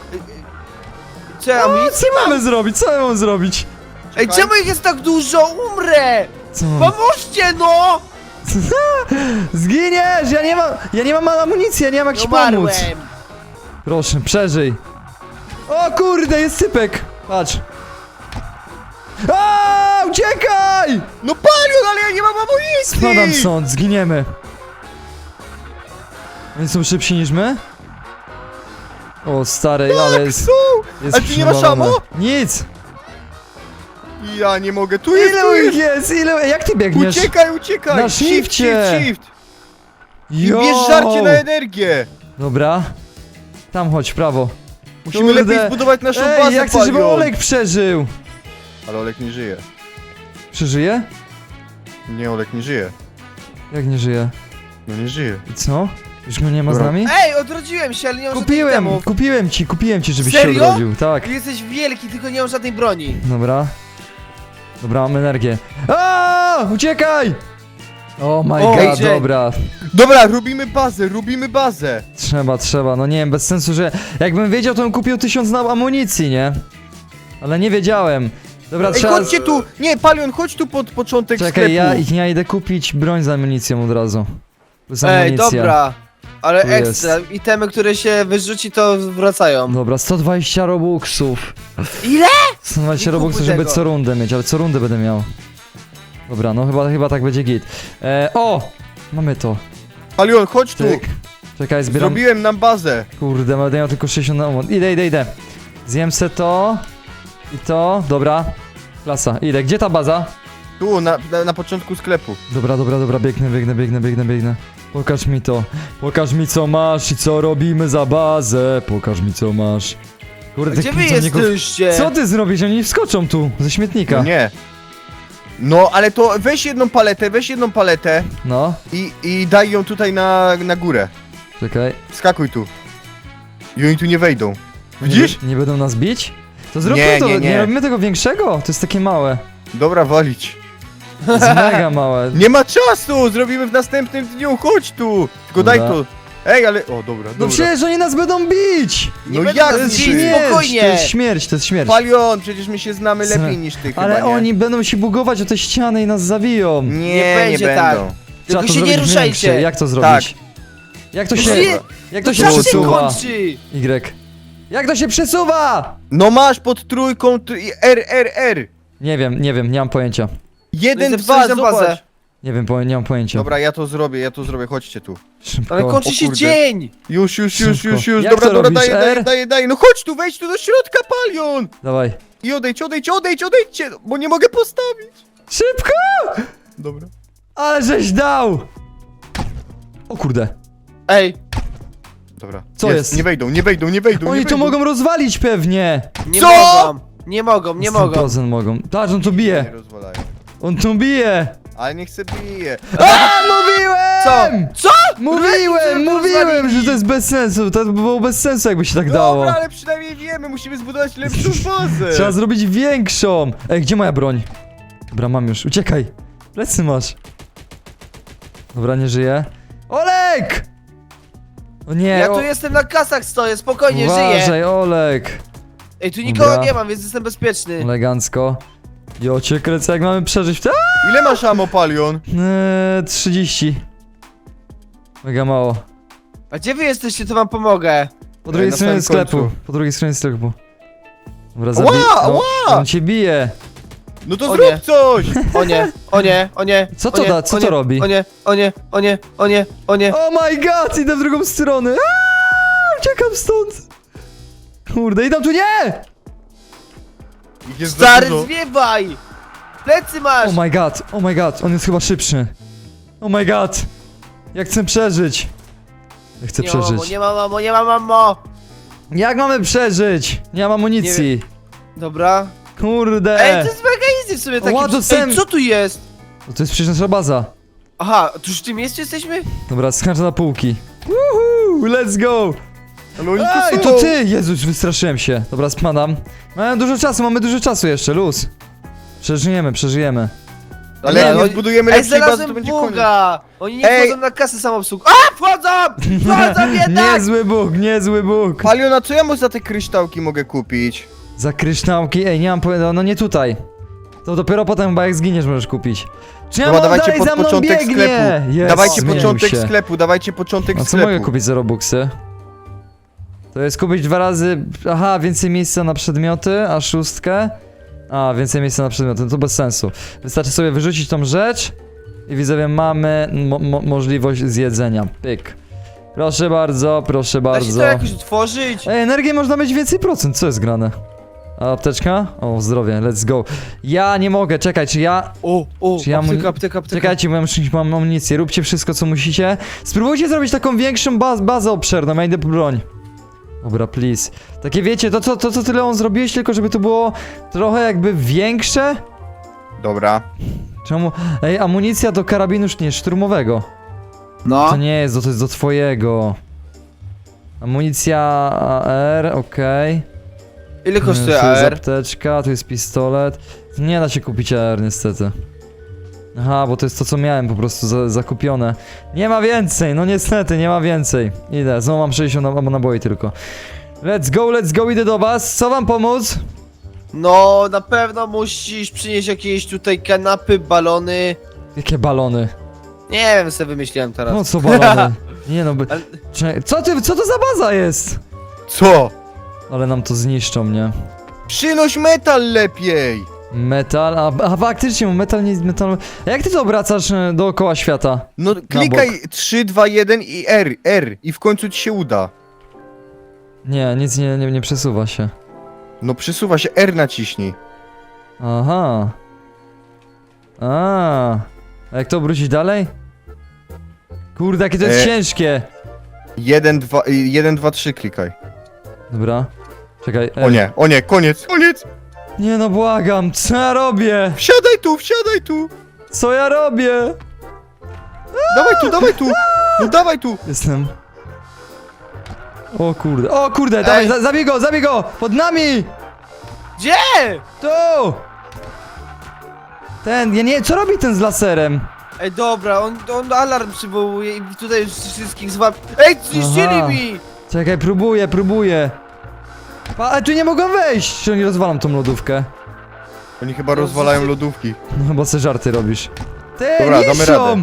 [SPEAKER 2] Co ja
[SPEAKER 1] O,
[SPEAKER 2] mi?
[SPEAKER 1] co mamy zrobić? Co ja mam zrobić?
[SPEAKER 2] Ej, czemu ich jest tak dużo? Umrę!
[SPEAKER 1] Co?
[SPEAKER 2] Pomóżcie no!
[SPEAKER 1] Zginiesz! Ja nie mam, ja nie mam amunicji, ja nie mam jak ci pomóc.
[SPEAKER 2] Umarłem!
[SPEAKER 1] Proszę, przeżyj. O kurde, jest sypek. Patrz. A, uciekaj!
[SPEAKER 3] No Palion, ale ja nie mam amunicji!
[SPEAKER 1] Spadam stąd, zginiemy. Oni są szybsi niż my? O stary, ale jest,
[SPEAKER 3] Są!
[SPEAKER 1] jest
[SPEAKER 3] Ale ty nie masz
[SPEAKER 1] przywalone.
[SPEAKER 3] ammo?
[SPEAKER 1] Nic!
[SPEAKER 3] Ja nie mogę, tu jest, tu
[SPEAKER 1] Ile ich
[SPEAKER 3] jest!
[SPEAKER 1] jest? Ile? Jak ty biegniesz?
[SPEAKER 3] Uciekaj, uciekaj!
[SPEAKER 1] Na
[SPEAKER 3] shift,
[SPEAKER 1] shifcie.
[SPEAKER 3] shift, shift! I
[SPEAKER 1] Jo!
[SPEAKER 3] bierz żarcie na energię!
[SPEAKER 1] Dobra. Tam chodź, w prawo.
[SPEAKER 3] Musimy
[SPEAKER 1] Kurde.
[SPEAKER 3] lepiej zbudować naszą
[SPEAKER 1] Ej,
[SPEAKER 3] bazę,
[SPEAKER 1] ja chcę, żeby
[SPEAKER 3] Palion.
[SPEAKER 1] Olek przeżył.
[SPEAKER 3] Ale Olek nie żyje.
[SPEAKER 1] Przeżyje?
[SPEAKER 3] Nie, Olek nie żyje.
[SPEAKER 1] Jak nie żyje?
[SPEAKER 3] No nie żyje.
[SPEAKER 1] I co? Już go nie ma z
[SPEAKER 3] Dobra.
[SPEAKER 1] nami?
[SPEAKER 2] Ej, odrodziłem się, ale nie mam żadnych
[SPEAKER 1] Kupiłem,
[SPEAKER 2] temów.
[SPEAKER 1] kupiłem ci, kupiłem ci, żebyś
[SPEAKER 2] Serio?
[SPEAKER 1] się odrodził. Tak.
[SPEAKER 2] Jesteś wielki, tylko nie mam żadnej broni.
[SPEAKER 1] Dobra. Dobra, mam energię. A, uciekaj! Oh my
[SPEAKER 2] O,
[SPEAKER 1] god,
[SPEAKER 2] Jane.
[SPEAKER 1] dobra.
[SPEAKER 3] Dobra, robimy bazę, robimy bazę!
[SPEAKER 1] Trzeba, trzeba, no nie wiem, bez sensu, że jakbym wiedział, to bym kupił tysiąc na amunicji, nie? Ale nie wiedziałem. Dobra,
[SPEAKER 3] Ej,
[SPEAKER 1] trzeba...
[SPEAKER 3] chodźcie tu! Nie, Palion, chodź tu pod początek
[SPEAKER 1] Czekaj,
[SPEAKER 3] sklepu.
[SPEAKER 1] ja, ja idę kupić broń z amunicją od razu. Z
[SPEAKER 2] Ej,
[SPEAKER 1] amunicja.
[SPEAKER 2] dobra. Ale
[SPEAKER 1] Tu
[SPEAKER 2] ekstra, itemy, które się wyrzuci, to wracają.
[SPEAKER 1] Dobra, sto dwadzieścia robuxów.
[SPEAKER 2] Ile?
[SPEAKER 1] sto dwadzieścia
[SPEAKER 2] Nie kupuj
[SPEAKER 1] robuxów, żeby
[SPEAKER 2] tego.
[SPEAKER 1] co rundę mieć, ale co rundę będę miał. Dobra, no chyba, chyba tak będzie git. E, o! Mamy to.
[SPEAKER 3] Palion, chodź tu!
[SPEAKER 1] Tyk. Czekaj, zbieram...
[SPEAKER 3] Zrobiłem nam bazę.
[SPEAKER 1] Kurde, będę miał tylko sześćdziesiąt na moment. Idę, idę, idę. Zjem se to. I to. Dobra. Klasa, idę. Gdzie ta baza?
[SPEAKER 3] Tu, na, na, na początku sklepu.
[SPEAKER 1] Dobra, dobra, dobra, biegnę, biegnę, biegnę, biegnę, biegnę. Pokaż mi to. Pokaż mi co masz i co robimy za bazę. Pokaż mi co masz. Kurde,
[SPEAKER 2] Gdzie
[SPEAKER 1] tych
[SPEAKER 2] wy
[SPEAKER 1] pracowników-
[SPEAKER 2] jesteście?
[SPEAKER 1] Co ty zrobisz? Oni wskoczą tu, ze śmietnika.
[SPEAKER 3] No nie. No, ale to weź jedną paletę, weź jedną paletę
[SPEAKER 1] No,
[SPEAKER 3] i, i daj ją tutaj na, na górę.
[SPEAKER 1] czekaj.
[SPEAKER 3] Skakuj tu. I oni tu nie wejdą. Widzisz?
[SPEAKER 1] Nie, nie będą nas bić? To zróbmy
[SPEAKER 3] Nie,
[SPEAKER 1] to,
[SPEAKER 3] nie, nie.
[SPEAKER 1] robimy tego większego? To jest takie małe.
[SPEAKER 3] Dobra, walić.
[SPEAKER 1] To jest mega małe.
[SPEAKER 3] Nie ma czasu! Zrobimy w następnym dniu, chodź tu! Tylko daj
[SPEAKER 1] Dobra.
[SPEAKER 3] to. Ej, ale... O, dobra,
[SPEAKER 1] No
[SPEAKER 3] dobra.
[SPEAKER 1] przecież oni nas będą bić!
[SPEAKER 2] Nie
[SPEAKER 3] No
[SPEAKER 2] będę
[SPEAKER 3] jak
[SPEAKER 1] To
[SPEAKER 2] nas
[SPEAKER 1] jest
[SPEAKER 3] bić?
[SPEAKER 2] bić,
[SPEAKER 1] śmierć, to
[SPEAKER 2] spokojnie.
[SPEAKER 1] jest śmierć, to jest śmierć.
[SPEAKER 3] Palion, przecież my się znamy
[SPEAKER 1] Zna-
[SPEAKER 3] lepiej niż ty
[SPEAKER 1] Ale
[SPEAKER 3] chyba, nie?
[SPEAKER 1] oni będą się bugować o te ściany i nas zabiją.
[SPEAKER 3] Nie,
[SPEAKER 2] Nie
[SPEAKER 3] nie,
[SPEAKER 2] będzie
[SPEAKER 3] będą.
[SPEAKER 2] tak.
[SPEAKER 1] Trzeba
[SPEAKER 2] Tylko
[SPEAKER 1] to
[SPEAKER 2] się nie
[SPEAKER 1] zrobić
[SPEAKER 2] ruszajcie.
[SPEAKER 1] większe. Jak to zrobić? Jak to się...
[SPEAKER 2] Nie,
[SPEAKER 1] Jak to
[SPEAKER 2] To
[SPEAKER 1] się
[SPEAKER 2] czas się
[SPEAKER 1] przesuwa?
[SPEAKER 2] kończy.
[SPEAKER 1] Y. Jak to się przesuwa?
[SPEAKER 3] No masz pod trójką tr R, R, R.
[SPEAKER 1] Nie wiem, nie wiem, nie mam pojęcia.
[SPEAKER 3] Jeden,
[SPEAKER 2] No i
[SPEAKER 3] dwa,
[SPEAKER 2] zepsułeś nam bazę.
[SPEAKER 3] zobacz.
[SPEAKER 1] Nie wiem, po, nie mam pojęcia.
[SPEAKER 3] Dobra, ja to zrobię, ja to zrobię, chodźcie tu.
[SPEAKER 1] Szybko.
[SPEAKER 2] Ale kończy
[SPEAKER 3] O
[SPEAKER 2] się
[SPEAKER 3] kurde.
[SPEAKER 2] dzień.
[SPEAKER 3] Już, już, już,
[SPEAKER 1] Szybko.
[SPEAKER 3] już, już.
[SPEAKER 1] Jak
[SPEAKER 3] Dobra,
[SPEAKER 1] to
[SPEAKER 3] dobra,
[SPEAKER 1] robisz,
[SPEAKER 3] daję, daję,
[SPEAKER 1] R?
[SPEAKER 3] daję, daję. No chodź tu, wejdź tu do środka, Palion.
[SPEAKER 1] Dawaj.
[SPEAKER 3] I odejdź, odejdź, odejdź, odejdźcie, bo nie mogę postawić.
[SPEAKER 1] Szybko!
[SPEAKER 3] Dobra.
[SPEAKER 1] Ale żeś dał! O kurde.
[SPEAKER 2] Ej,
[SPEAKER 3] Dobra.
[SPEAKER 1] Co jest?
[SPEAKER 3] Nie wejdą, nie wejdą, nie wejdą,
[SPEAKER 1] Oni
[SPEAKER 3] nie
[SPEAKER 1] to
[SPEAKER 3] wejdą.
[SPEAKER 1] mogą rozwalić pewnie.
[SPEAKER 2] nie
[SPEAKER 3] Co?
[SPEAKER 2] mogą. Nie mogą, nie
[SPEAKER 1] sto
[SPEAKER 2] mogą.
[SPEAKER 1] procent mogą. Patrz, on tu
[SPEAKER 3] Nie
[SPEAKER 1] bije.
[SPEAKER 3] rozwalają.
[SPEAKER 1] On tu bije.
[SPEAKER 3] Ale nie chcę bije.
[SPEAKER 1] A, mówiłem!
[SPEAKER 2] Co? Co?
[SPEAKER 1] Mówiłem,
[SPEAKER 2] Żeby
[SPEAKER 1] mówiłem,
[SPEAKER 2] rozwalili.
[SPEAKER 1] że to jest bez sensu. To by było bez sensu, jakby się tak dało.
[SPEAKER 3] Dobra, ale przynajmniej wiemy, musimy zbudować lepszą bazę.
[SPEAKER 1] Trzeba zrobić większą. Ej, gdzie moja broń? Dobra, mam już. Uciekaj. Plecy masz. Dobra, nie żyje. Olek! O nie,
[SPEAKER 2] Ja
[SPEAKER 1] o...
[SPEAKER 2] tu jestem na kasach stoję, spokojnie, żyję.
[SPEAKER 1] Uważaj, Olek.
[SPEAKER 2] Ej, tu nikogo
[SPEAKER 1] Dobra.
[SPEAKER 2] nie mam, więc jestem bezpieczny.
[SPEAKER 1] Elegancko. Jo, cię kręcę, jak mamy przeżyć w te...
[SPEAKER 3] Ile masz ammo, Palion?
[SPEAKER 1] Eee, trzydzieści. Mega mało.
[SPEAKER 2] A gdzie wy jesteście, to wam pomogę.
[SPEAKER 1] Po drugiej
[SPEAKER 3] na
[SPEAKER 1] stronie
[SPEAKER 3] samym
[SPEAKER 1] sklepu.
[SPEAKER 3] końcu.
[SPEAKER 1] Po drugiej stronie sklepu. Dobra,
[SPEAKER 3] Ła,
[SPEAKER 1] zabij. No,
[SPEAKER 3] ła!
[SPEAKER 1] on cię bije.
[SPEAKER 3] No to
[SPEAKER 2] O
[SPEAKER 3] zrób
[SPEAKER 2] nie.
[SPEAKER 3] coś!
[SPEAKER 2] O nie, o nie, o nie.
[SPEAKER 1] Co
[SPEAKER 2] o
[SPEAKER 1] to
[SPEAKER 2] nie,
[SPEAKER 1] da? Co
[SPEAKER 2] o
[SPEAKER 1] to
[SPEAKER 2] nie,
[SPEAKER 1] robi?
[SPEAKER 2] O nie, o nie, o nie, o nie, o nie.
[SPEAKER 1] Oh my god, idę w drugą stronę. Aaaa, uciekam stąd. Kurde, idą tu, nie!
[SPEAKER 3] Ich jest za
[SPEAKER 2] Stary,
[SPEAKER 3] dużo.
[SPEAKER 2] zwiewaj! Plecy masz!
[SPEAKER 1] Oh my god, oh my god, on jest chyba szybszy. Oh my god. Jak chcę przeżyć? Ja chcę
[SPEAKER 2] nie mam mamo,
[SPEAKER 1] przeżyć.
[SPEAKER 2] nie mam mamo, nie mam mamo!
[SPEAKER 1] Jak mamy przeżyć? Nie mam amunicji.
[SPEAKER 2] Dobra.
[SPEAKER 1] Kurde.
[SPEAKER 2] Ej, to jest mega widzę w sobie takie...
[SPEAKER 1] Ła, dostałem-
[SPEAKER 2] Ej, co tu jest?
[SPEAKER 1] O, to jest przecież nasza baza.
[SPEAKER 2] Aha, tu już w tym miejscu jesteśmy?
[SPEAKER 1] Dobra, skaczę na półki. Woohoo, let's go!
[SPEAKER 3] Ale oni
[SPEAKER 1] Ej,
[SPEAKER 3] tu
[SPEAKER 1] to
[SPEAKER 3] są.
[SPEAKER 1] ty! Jezus, wystraszyłem się. Dobra, spadam. Mamy dużo czasu, mamy dużo czasu jeszcze, luz. Przeżyjemy, przeżyjemy.
[SPEAKER 3] Ale
[SPEAKER 2] Nie,
[SPEAKER 3] jak nie
[SPEAKER 2] oni-
[SPEAKER 3] zbudujemy
[SPEAKER 2] Ej,
[SPEAKER 3] lepszej bazy, to
[SPEAKER 2] znalazłem
[SPEAKER 3] będzie koniec.
[SPEAKER 2] buga! Oni nie
[SPEAKER 3] Ej.
[SPEAKER 2] wchodzą na kasę samoobsług. A, wchodzą! Wchodzą jednak!
[SPEAKER 1] Niezły Bóg, niezły Bóg.
[SPEAKER 3] Paliona, co ja mu za te kryształki mogę kupić?
[SPEAKER 1] Za kryształki, ej, nie mam pojęcia, no nie tutaj. To dopiero potem chyba jak zginiesz możesz kupić. Czy ja
[SPEAKER 3] Dobra,
[SPEAKER 1] mam
[SPEAKER 3] dawajcie
[SPEAKER 1] dalej
[SPEAKER 3] pod
[SPEAKER 1] za mną
[SPEAKER 3] początek
[SPEAKER 1] biegnie?
[SPEAKER 3] sklepu.
[SPEAKER 1] Jest,
[SPEAKER 3] Dawajcie
[SPEAKER 1] zmienił
[SPEAKER 3] początek
[SPEAKER 1] się.
[SPEAKER 3] sklepu, dawajcie początek
[SPEAKER 1] A co
[SPEAKER 3] sklepu.
[SPEAKER 1] mogę kupić za robuxy? To jest kupić dwa razy, aha, więcej miejsca na przedmioty, a szóstkę. A, więcej miejsca na przedmioty, no to bez sensu. Wystarczy sobie wyrzucić tą rzecz i widzowie mamy mo mo możliwość zjedzenia. Pyk. Proszę bardzo, proszę
[SPEAKER 2] Da się
[SPEAKER 1] bardzo.
[SPEAKER 2] to jakoś otworzyć?
[SPEAKER 1] Ej, energię można mieć więcej procent, co jest grane? A apteczka? O, zdrowie, let's go. Ja nie mogę, czekaj, czy ja...
[SPEAKER 2] O, o,
[SPEAKER 1] Czy ja mu-
[SPEAKER 2] apteka, apteka, apteka.
[SPEAKER 1] Czekajcie, bo ja muszę mam amunicję, róbcie wszystko co musicie. Spróbujcie zrobić taką większą baz bazę obszerną, ja idę po broń. Dobra, please. Takie wiecie, to co, to co ty Leon zrobiłeś, tylko żeby to było trochę jakby większe?
[SPEAKER 3] Dobra.
[SPEAKER 1] Czemu? Ej, amunicja do karabinu już nie, szturmowego.
[SPEAKER 2] No.
[SPEAKER 1] To nie jest, to jest do twojego. Amunicja A R, okej.
[SPEAKER 2] Ile kosztuje
[SPEAKER 1] Tu jest
[SPEAKER 2] A R?
[SPEAKER 1] apteczka, tu jest pistolet. Nie da się kupić A R niestety. Aha, bo to jest to co miałem po prostu za, zakupione. Nie ma więcej, no niestety, nie ma więcej. Idę, znowu mam sześćdziesiąt nab- naboi tylko. Let's go, let's go, idę do was. Co wam pomóc?
[SPEAKER 2] No, na pewno musisz przynieść jakieś tutaj kanapy, balony.
[SPEAKER 1] Jakie balony?
[SPEAKER 2] Nie wiem, sobie wymyśliłem teraz.
[SPEAKER 1] No co balony? Nie no, by...
[SPEAKER 2] Ale-
[SPEAKER 1] Czekaj, co ty, co to za baza jest?
[SPEAKER 3] Co?
[SPEAKER 1] Ale nam to zniszczą, nie?
[SPEAKER 3] Przynoś metal lepiej!
[SPEAKER 1] Metal, a, a faktycznie, metal nie jest metal. A jak ty to obracasz e, dookoła świata?
[SPEAKER 3] No klikaj trzy, dwa, jeden i R, R i w końcu ci się uda.
[SPEAKER 1] Nie, nic nie, nie, nie przesuwa się.
[SPEAKER 3] No przesuwa się, R naciśnij.
[SPEAKER 1] Aha. A. A jak to obrócić dalej? Kurde, jakie to jest
[SPEAKER 3] E.
[SPEAKER 1] ciężkie.
[SPEAKER 3] jeden, dwa, y, jeden, dwa, trzy klikaj.
[SPEAKER 1] Dobra. Czekaj.
[SPEAKER 3] O
[SPEAKER 1] e.
[SPEAKER 3] nie, o nie, koniec, koniec!
[SPEAKER 1] Nie no, błagam, co ja robię?
[SPEAKER 3] Wsiadaj tu, wsiadaj tu!
[SPEAKER 1] Co ja robię?
[SPEAKER 3] Dawaj tu, dawaj tu! No dawaj tu!
[SPEAKER 1] Jestem. O kurde, o kurde, dawaj,
[SPEAKER 2] Ej.
[SPEAKER 1] za, zabij go, zabij go! Pod nami!
[SPEAKER 2] Gdzie?
[SPEAKER 1] Tu! Ten, ja nie wiem, co robi ten z laserem?
[SPEAKER 2] Ej, dobra, on, on alarm przywołuje i tutaj już wszystkich złap... Ej, zniszczyli
[SPEAKER 1] Aha.
[SPEAKER 2] mi!
[SPEAKER 1] Czekaj, próbuję, próbuję. Pa, ale tu nie mogą wejść! Czy oni rozwalam tą lodówkę?
[SPEAKER 3] Oni chyba rozwalają lodówki.
[SPEAKER 1] No chyba se żarty robisz. Ty,
[SPEAKER 3] Dobra, damy
[SPEAKER 1] niszczą!
[SPEAKER 3] radę.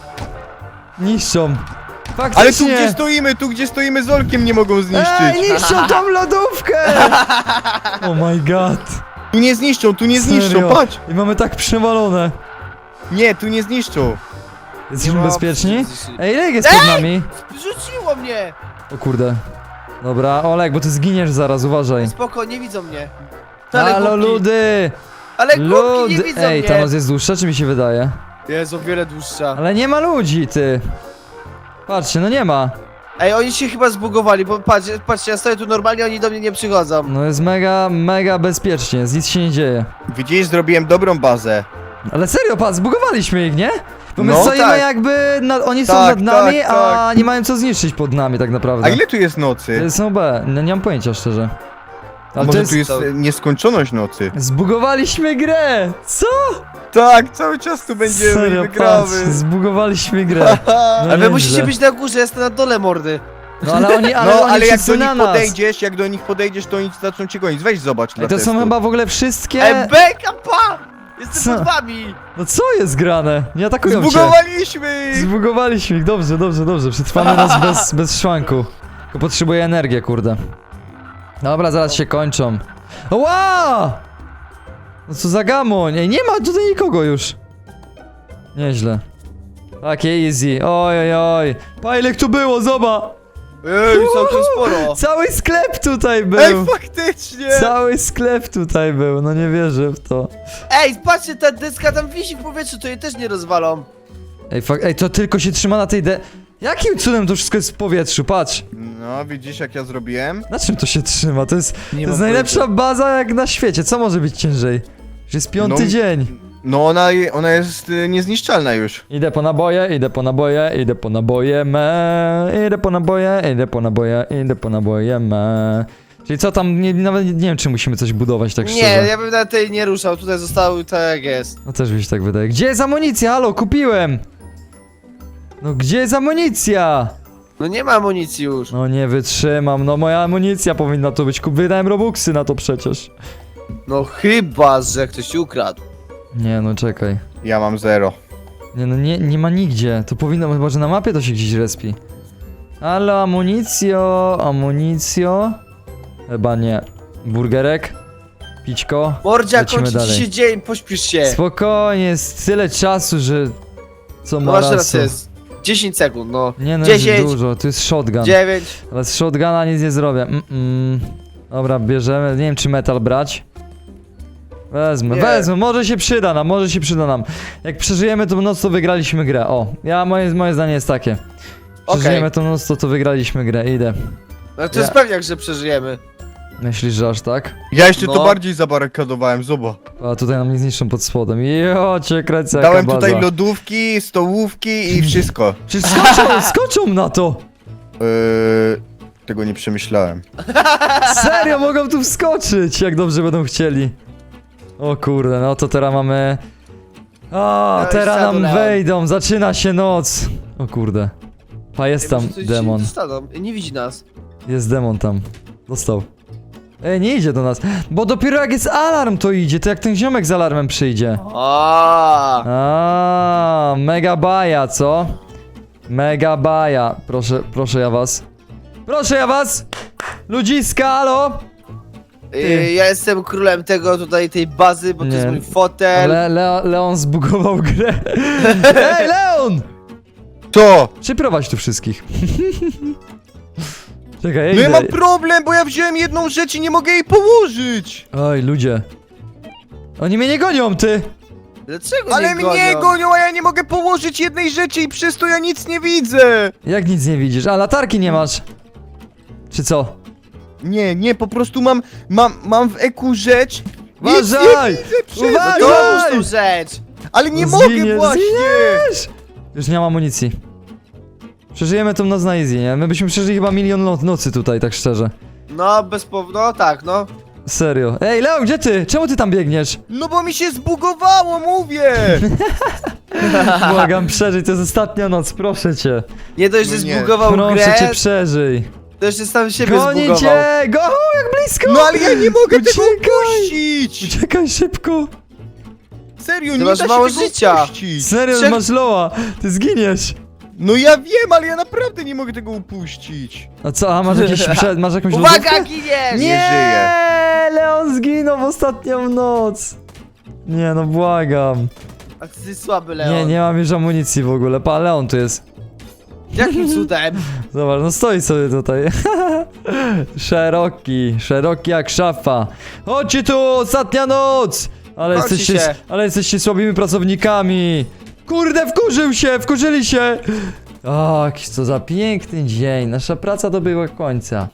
[SPEAKER 1] Niszczą! Faktycznie!
[SPEAKER 3] Ale tu gdzie stoimy, tu gdzie stoimy z Olkiem nie mogą
[SPEAKER 1] Ej,
[SPEAKER 3] zniszczyć.
[SPEAKER 1] niszczą tą lodówkę! Oh my god.
[SPEAKER 3] Tu nie zniszczą, tu nie zniszczą,
[SPEAKER 1] Serio?
[SPEAKER 3] patrz!
[SPEAKER 1] I mamy tak przewalone.
[SPEAKER 3] Nie, tu nie zniszczą.
[SPEAKER 1] Jesteśmy
[SPEAKER 2] ma
[SPEAKER 1] bezpieczni?
[SPEAKER 2] opcji.
[SPEAKER 1] Ej, Lek jest pod nami.
[SPEAKER 2] Rzuciło mnie!
[SPEAKER 1] O kurde. Dobra, Olek, bo ty zginiesz zaraz, uważaj.
[SPEAKER 2] Spoko, nie widzą mnie.
[SPEAKER 1] Halo,
[SPEAKER 2] głupki.
[SPEAKER 1] ludy!
[SPEAKER 2] Ale głupki nie
[SPEAKER 1] Lud!
[SPEAKER 2] widzą
[SPEAKER 1] Ej,
[SPEAKER 2] mnie!
[SPEAKER 1] ta noc jest dłuższa, czy mi się wydaje?
[SPEAKER 2] Jest o wiele dłuższa.
[SPEAKER 1] Ale nie ma ludzi, ty. Patrzcie, no nie ma.
[SPEAKER 2] Ej, oni się chyba zbugowali, bo patrz, patrzcie, ja stoję tu normalnie, oni do mnie nie przychodzą.
[SPEAKER 1] No jest mega, mega bezpiecznie, nic się nie dzieje.
[SPEAKER 3] Widzisz, zrobiłem dobrą bazę.
[SPEAKER 1] Ale serio, patrz, zbugowaliśmy ich, nie? Bo my
[SPEAKER 3] No,
[SPEAKER 1] stoimy
[SPEAKER 3] tak.
[SPEAKER 1] jakby, na, oni są
[SPEAKER 3] Tak,
[SPEAKER 1] nad nami,
[SPEAKER 3] tak,
[SPEAKER 1] a
[SPEAKER 3] tak.
[SPEAKER 1] nie mają co zniszczyć pod nami tak naprawdę.
[SPEAKER 3] A ile tu jest
[SPEAKER 1] To
[SPEAKER 3] nocy?
[SPEAKER 1] jest są B, no, nie mam pojęcia szczerze. Ale
[SPEAKER 3] Może
[SPEAKER 1] to jest...
[SPEAKER 3] tu jest e, nieskończoność nocy?
[SPEAKER 1] Zbugowaliśmy grę! Co?
[SPEAKER 3] Tak, cały czas tu będziemy
[SPEAKER 1] Serio,
[SPEAKER 3] i
[SPEAKER 1] patrz,
[SPEAKER 3] wygramy.
[SPEAKER 1] zbugowaliśmy grę. No
[SPEAKER 2] Ale wy
[SPEAKER 1] nieźle.
[SPEAKER 2] musicie być na górze, ja jestem na dole mordy.
[SPEAKER 1] No ale oni, ale
[SPEAKER 3] No,
[SPEAKER 1] oni
[SPEAKER 3] ale jak
[SPEAKER 1] wszyscy
[SPEAKER 3] do nich
[SPEAKER 1] na nas.
[SPEAKER 3] podejdziesz, jak do nich podejdziesz, to oni zaczną cię gonić. Weź zobacz dla
[SPEAKER 1] Ej, to są
[SPEAKER 3] testu.
[SPEAKER 1] chyba w ogóle wszystkie...
[SPEAKER 2] Ej, beka, pa! Jestem
[SPEAKER 1] Co?
[SPEAKER 2] pod wami!
[SPEAKER 1] No co jest grane? Nie atakują cię.
[SPEAKER 3] Zbugowaliśmy!
[SPEAKER 1] Zbugowaliśmy ich, dobrze, dobrze, dobrze. Przetrwamy nas bez, bez szwanku. Tylko potrzebuję energię, kurde. Dobra, zaraz się kończą. Ła! No co za gamoń? Ej, nie ma tutaj nikogo już. Nieźle. Takie easy. Oj, oj, oj. Pa, ile tu było, zobacz.
[SPEAKER 2] Ej, całkiem sporo.
[SPEAKER 1] Cały sklep tutaj
[SPEAKER 3] Ej,
[SPEAKER 1] był.
[SPEAKER 3] faktycznie!
[SPEAKER 1] Cały sklep tutaj był, no nie wierzę w to.
[SPEAKER 2] Ej, patrzcie, ta deska tam wisi w powietrzu, to jej też nie rozwalą.
[SPEAKER 1] Ej, fak ej, to tylko się trzyma na tej de... Jakim cudem to wszystko jest w powietrzu, patrz.
[SPEAKER 3] No, widzisz jak ja zrobiłem?
[SPEAKER 1] Na czym to się trzyma? To jest,
[SPEAKER 2] Nie
[SPEAKER 1] to jest
[SPEAKER 2] mam
[SPEAKER 1] najlepsza baza jak na świecie. Co może być ciężej? Już jest piąty
[SPEAKER 3] No.
[SPEAKER 1] dzień.
[SPEAKER 3] No ona, ona jest y, niezniszczalna już.
[SPEAKER 1] Idę po naboje, idę po naboje, idę po naboje, me. Idę po naboje, idę po naboje, idę po naboje, me. Czyli co tam, nie, nawet nie wiem, czy musimy coś budować, tak
[SPEAKER 2] Nie,
[SPEAKER 1] szczerze.
[SPEAKER 2] ja bym na tej nie ruszał, tutaj został tak jak jest.
[SPEAKER 1] No też mi się tak wydaje. Gdzie jest amunicja? Halo, kupiłem! No gdzie jest amunicja?
[SPEAKER 2] No nie ma amunicji już.
[SPEAKER 1] No nie wytrzymam, no moja amunicja powinna to być. Kup- Wydałem robuxy na to przecież.
[SPEAKER 2] No chyba, że ktoś ci ukradł.
[SPEAKER 1] Nie no, czekaj.
[SPEAKER 3] Ja mam zero.
[SPEAKER 1] Nie no, nie, nie ma nigdzie. To powinno, chyba że na mapie to się gdzieś respi. Halo, amunicjo, amunicjo. Chyba nie. Burgerek. Pićko.
[SPEAKER 2] Mordzia,
[SPEAKER 1] Lecimy
[SPEAKER 2] kończy ci
[SPEAKER 1] dalej.
[SPEAKER 2] się dzień, pośpisz się.
[SPEAKER 1] Spokojnie, jest tyle czasu, że... Co
[SPEAKER 2] No
[SPEAKER 1] ma
[SPEAKER 2] masz
[SPEAKER 1] rasu.
[SPEAKER 2] rację, jest dziesięć sekund, no.
[SPEAKER 1] Nie no, jest
[SPEAKER 2] dziesięć,
[SPEAKER 1] dużo, to jest shotgun.
[SPEAKER 2] dziewięć.
[SPEAKER 1] Ale z shotguna nic nie zrobię. Mm -mm. Dobra, bierzemy. Nie wiem, czy metal brać. Wezmę,
[SPEAKER 2] Nie.
[SPEAKER 1] wezmę, może się przyda nam, może się przyda nam. Jak przeżyjemy tą noc, to wygraliśmy grę. O, ja, moje, moje zdanie jest takie. Przeżyjemy
[SPEAKER 2] Okej.
[SPEAKER 1] tą noc, to, to wygraliśmy grę, idę.
[SPEAKER 2] No to jest
[SPEAKER 1] Ja-
[SPEAKER 2] pewniak, że przeżyjemy.
[SPEAKER 1] Myślisz, że aż tak?
[SPEAKER 3] Ja jeszcze
[SPEAKER 2] No.
[SPEAKER 3] to bardziej zabarykadowałem, zobacz.
[SPEAKER 1] A tutaj nam nie zniszczą pod spodem. Jo, cię kręcę, jaka
[SPEAKER 3] Dałem
[SPEAKER 1] baza.
[SPEAKER 3] tutaj lodówki, stołówki i wszystko.
[SPEAKER 1] Przecież skoczą, skoczą na to!
[SPEAKER 3] Yy, tego nie przemyślałem.
[SPEAKER 1] Serio, mogą tu wskoczyć, jak dobrze będą chcieli. O kurde, no to teraz mamy... O,
[SPEAKER 2] No i
[SPEAKER 1] teraz nam
[SPEAKER 2] zadolałem.
[SPEAKER 1] wejdą, zaczyna się noc. O kurde. Pa, jest tam
[SPEAKER 2] Ej, może coś
[SPEAKER 1] demon.
[SPEAKER 2] się dostaną. Nie widzi nas.
[SPEAKER 1] Jest demon tam. Dostał. Ej, nie idzie do nas. Bo dopiero jak jest alarm, to idzie. To jak ten ziomek z alarmem przyjdzie.
[SPEAKER 2] A,
[SPEAKER 1] A, mega baja, co? Mega baja. Proszę, proszę ja was. Proszę ja was! Ludziska, halo!
[SPEAKER 2] y, ja jestem królem tego tutaj, tej bazy, bo
[SPEAKER 1] Nie.
[SPEAKER 2] to jest mój fotel.
[SPEAKER 1] Le, Le, Leon zbugował grę. Ej, Leon!
[SPEAKER 3] To!
[SPEAKER 1] Przyprowadź tu wszystkich. Czekaj, ja
[SPEAKER 3] No ja
[SPEAKER 1] idę.
[SPEAKER 3] mam problem, bo ja wziąłem jedną rzecz i nie mogę jej położyć!
[SPEAKER 1] Oj, ludzie. Oni mnie nie gonią, ty!
[SPEAKER 2] Dlaczego
[SPEAKER 3] Ale
[SPEAKER 2] nie
[SPEAKER 3] mnie
[SPEAKER 2] gonią?
[SPEAKER 3] gonią, a ja nie mogę położyć jednej rzeczy i przez to ja nic nie widzę!
[SPEAKER 1] Jak nic nie widzisz? A, latarki nie masz. Czy co?
[SPEAKER 3] Nie, nie, po prostu mam, mam, mam w eku rzecz. Nic
[SPEAKER 1] Uważaj!
[SPEAKER 3] nie widzę przez
[SPEAKER 1] Uważaj!
[SPEAKER 3] to,
[SPEAKER 2] Dołóż tą rzecz!
[SPEAKER 3] ale nie
[SPEAKER 1] No
[SPEAKER 3] mogę
[SPEAKER 1] zginiesz,
[SPEAKER 3] właśnie!
[SPEAKER 1] zginiesz! Już nie mam amunicji. Przeżyjemy tą noc na easy, nie? My byśmy przeżyli chyba milion no nocy tutaj, tak szczerze.
[SPEAKER 2] No, bez pow... no tak, no.
[SPEAKER 1] Serio. Ej, Leon, gdzie ty? Czemu ty tam biegniesz?
[SPEAKER 3] No bo mi się zbugowało, mówię!
[SPEAKER 1] Błagam, przeżyj, to jest ostatnia noc, proszę cię.
[SPEAKER 2] Nie dość, że
[SPEAKER 3] No nie.
[SPEAKER 2] zbugował
[SPEAKER 1] Proszę
[SPEAKER 2] grę,
[SPEAKER 1] cię, przeżyj.
[SPEAKER 2] to jeszcze sam siebie
[SPEAKER 1] Goni
[SPEAKER 2] zbugował.
[SPEAKER 1] cię! Go, jak blisko!
[SPEAKER 3] No ale ja nie mogę tego
[SPEAKER 1] Uciekaj!
[SPEAKER 3] upuścić!
[SPEAKER 1] Uciekaj szybko!
[SPEAKER 3] Serio,
[SPEAKER 2] Ty
[SPEAKER 3] nie
[SPEAKER 2] masz
[SPEAKER 3] da się
[SPEAKER 2] mało
[SPEAKER 3] tego
[SPEAKER 2] życia.
[SPEAKER 3] upuścić!
[SPEAKER 1] Serio,
[SPEAKER 2] Trzech-
[SPEAKER 1] masz loa! Ty zginiesz!
[SPEAKER 3] No ja wiem, ale ja naprawdę nie mogę tego upuścić!
[SPEAKER 1] A co, a masz jakiś przed, masz jakąś
[SPEAKER 2] Uwaga,
[SPEAKER 1] lodówkę?
[SPEAKER 2] giniesz!
[SPEAKER 1] Nie!
[SPEAKER 3] żyje.
[SPEAKER 1] Leon zginął w ostatnią noc! Nie no, błagam.
[SPEAKER 2] A ty słaby, Leon.
[SPEAKER 1] Nie, nie mam już amunicji w ogóle. Pa, Leon tu jest.
[SPEAKER 2] Jakim cudem?
[SPEAKER 1] Zobacz, no stoi sobie tutaj. Szeroki, szeroki jak szafa. Chodźcie tu, ostatnia noc! Ale
[SPEAKER 2] Chodźcie
[SPEAKER 1] jesteście,
[SPEAKER 2] się.
[SPEAKER 1] ale jesteście słabymi pracownikami. Kurde, wkurzył się, wkurzyli się. O, jaki to za piękny dzień. Nasza praca dobiegła końca.